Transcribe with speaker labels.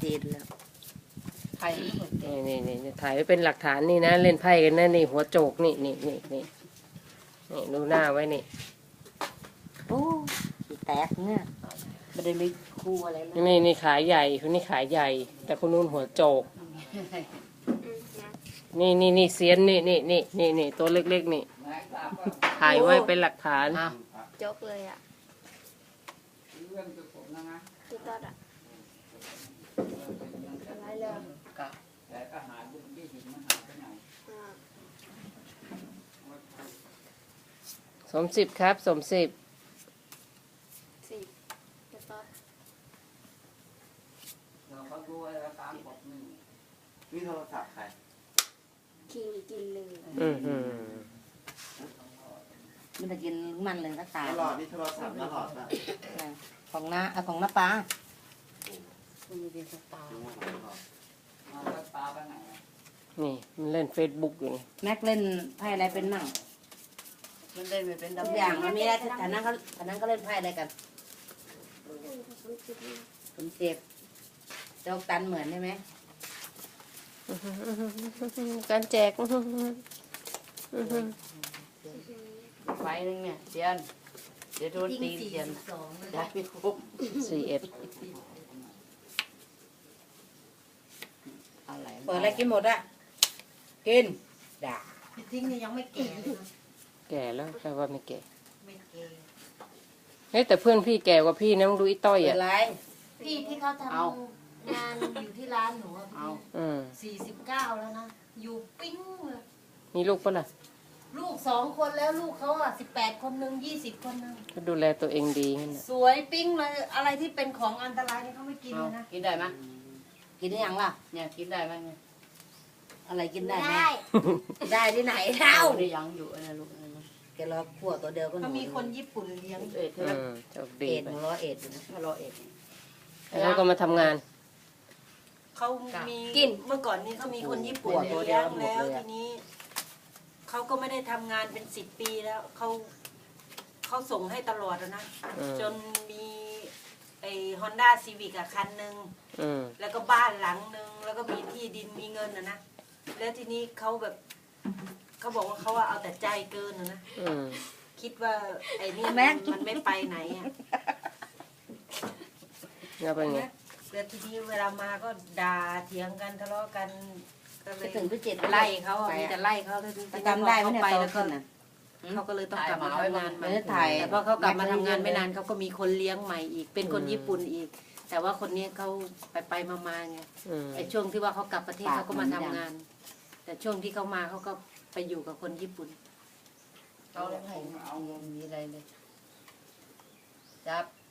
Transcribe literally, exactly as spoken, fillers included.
Speaker 1: เจนแล้วไพ่
Speaker 2: นี่นี่นี่ถ่ายไว้เป็นหลักฐานนี่นะเล่นไพ่กันนะนี่หัวโจกนี่นี่นี่นี่นี่ดูหน้าไว้นี่
Speaker 1: โอ้แตกเนี่ยไม่ได้มีคู่อะไรเลย
Speaker 2: นี่นี่ขาใหญ่คนนี้ขาใหญ่ แต่คนนู้นหัวโจกนี่นี่นี่เซียนนี่นี่นี่นี่นี่ตัวเล็กๆนี่ถ่ายไว้เป็นหลักฐาน
Speaker 3: จกเลยอ่ะที่ตอดอ่ะอะไรเลยแต่ก็หาบุญที่หินมันหาไปไหน
Speaker 2: สมสิบครับสมสิบ
Speaker 3: สิบที่ตอด
Speaker 4: เราเขาดูอะไรตามบอกหนึ่งนี่โทรศัพท์ใคร
Speaker 3: คิงกินเลย
Speaker 2: อืมอืม
Speaker 1: มันจะกินมันเลยก็ตาย
Speaker 4: ตลอดนี่โทรศัพท์ตลอดนะ
Speaker 1: ของน้าเอาของน้าป้า
Speaker 2: นี่มันเล่นเฟซบุ๊กอยู่นี่
Speaker 1: แม็กเล่นไพ่อะไรเป็นมั่งมันเล่นเป็นทุกอย่างมันมีอะไรแต่นั้นก็แต่นั้นก็เล่นไพ่อะไรกันผมเจ็บเจ้าตันเหมือนใช่ไหม
Speaker 2: การแจก
Speaker 1: ไฟนึงเนี่ยเจียนเดี๋ยวโดนตีเจียนได้ไม่ครบ
Speaker 2: สี่เอ็ด
Speaker 1: อะไรเปิดอะไรกินหมดอ่ะกินด่าทิ้งนี่ยังไม่แก่เลย
Speaker 2: แก่แล้วแปลว่าไม่แก่
Speaker 1: ไม่แก่
Speaker 2: เฮ้ยแต่เพื่อนพี่แก่กว่าพี่นะมึงดูอีต้อยอ่ะ
Speaker 3: พี่ที่เขาทำงานอยู่ที่ร้านหนูอ่ะพี่สี่สิบเก้าแล้วนะอยู่ปิ้งเลย
Speaker 2: มีลูกปะล่ะ
Speaker 3: ลูกสองคนแล้วลูกเขาอ่ะสิบแปดคนหนึ่งยี่สิบคนหนึ่ง
Speaker 2: ก็ดูแลตัวเองดีงั้น
Speaker 3: สวยปิ้งเลยอะไรที่เป็นของอันตรายนี่เขาไม่กินเลยนะ
Speaker 1: กินได้ไหมกินได้ยังล่ะเนี่ยกินได้ไหมเนี่ยอะไรกินได้ไหมได้ที่ไหนเล่าได้ยังอยู่นะลูกแกรอขวดตัวเดียวก็
Speaker 3: เขามีคนญี่ปุ่นเลี้ยง
Speaker 1: เอ็ดใช่ไหมเอ็ดรอเอ็ดนะรอเอ็ด
Speaker 2: แล้วก็มาทำงาน
Speaker 3: เขามีกินเมื่อก่อนนี้เขามีคนญี่ปุ่นเลี้ยงแล้วทีนี้เขาก็ไม่ได้ทำงานเป็นสิบปีแล้วเขาเขาส่งให้ตลอดแล้วนะจนมีไอ้ฮอนด้าซีวิกอะคันหนึ่งแล้วก็บ้านหลังหนึ่งแล้วก็มีที่ดินมีเงินนะนะแล้วทีนี้เขาแบบเขาบอกว่าเขาว่าเอาแต่ใจเกินนะนะคิดว่าไอ้นี่มันไม่ไปไหนอะ
Speaker 2: แล้วเป็นไง
Speaker 3: แล้วทีนี้เวลามาก็ด่าเถียงกันทะเลาะกัน
Speaker 1: ก็เลยถึงพิจิตร
Speaker 3: ไล่เขามีแต่ไล่เขา
Speaker 1: จำได้ไหมเนี่ยไปแล้วก็
Speaker 3: เขาก็เลยต้องกลับมาทำงานใหม่แต่พอเขากลับมาทำงานไม่นานเขาก็มีคนเลี้ยงใหม่อีกเป็นคนญี่ปุ่นอีกแต่ว่าคนนี้เขาไปไปมาๆไงไอ้ช่วงที่ว่าเขากลับประเทศเขาก็มาทำงานแต่ช่วงที่เขามาเขาก็ไปอยู่กับคนญี่ปุ่น
Speaker 1: เอาเลยเอาเงินมีอะไรเลยจับ